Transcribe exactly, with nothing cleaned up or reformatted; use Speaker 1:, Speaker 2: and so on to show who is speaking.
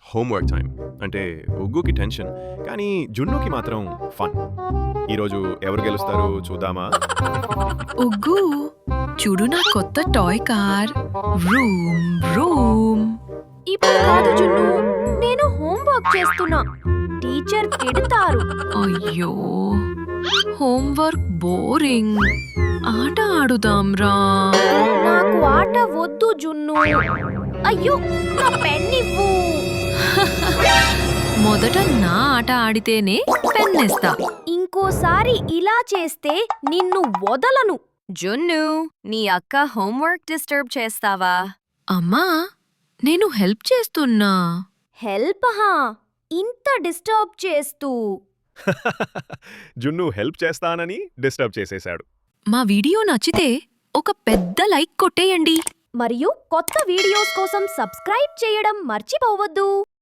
Speaker 1: Homework time అంటే ఉగ్గుకి tension, కానీ జున్నుకి మాత్రం ఫన్. ఈరోజు ఎవరు గెలుస్తారు చూద్దామా?
Speaker 2: ఉగ్గు చూడు నా కొత్త టాయ్ కార్. Room room.
Speaker 3: ఇప్పుడు కాదు జున్ను, నేను హోంవర్క్ చేస్తున్నా. టీచర్ తిడతారు.
Speaker 2: అయ్యో హోంవర్క్ బోరింగ్. ఆట ఆడుదాం రా.
Speaker 3: నాకు ఆట వద్దు జున్ను. అయ్యో నా పెన్ ఇవ్వు.
Speaker 2: మొదట నా ఆట ఆడితేనే పెన్నేస్తా.
Speaker 3: ఇంకోసారి ఇలా చేస్తే నిన్ను వదలను.
Speaker 4: జున్ను, నీ అక్క హోంవర్క్ డిస్టర్బ్ చేస్తావా?
Speaker 2: అమ్మా నేను హెల్ప్ చేస్తున్నా.
Speaker 3: హెల్ప్ హా, ఇంత డిస్టర్బ్ చేస్తూ.
Speaker 1: జున్ను హెల్ప్ చేస్తానని డిస్టర్బ్ చేసేశాడు.
Speaker 2: మా వీడియో నచ్చితే ఒక పెద్ద లైక్ కొట్టేయండి.
Speaker 3: మరియు కొత్త వీడియోస్ కోసం సబ్స్క్రైబ్ చేయడం మర్చిపోవద్దు.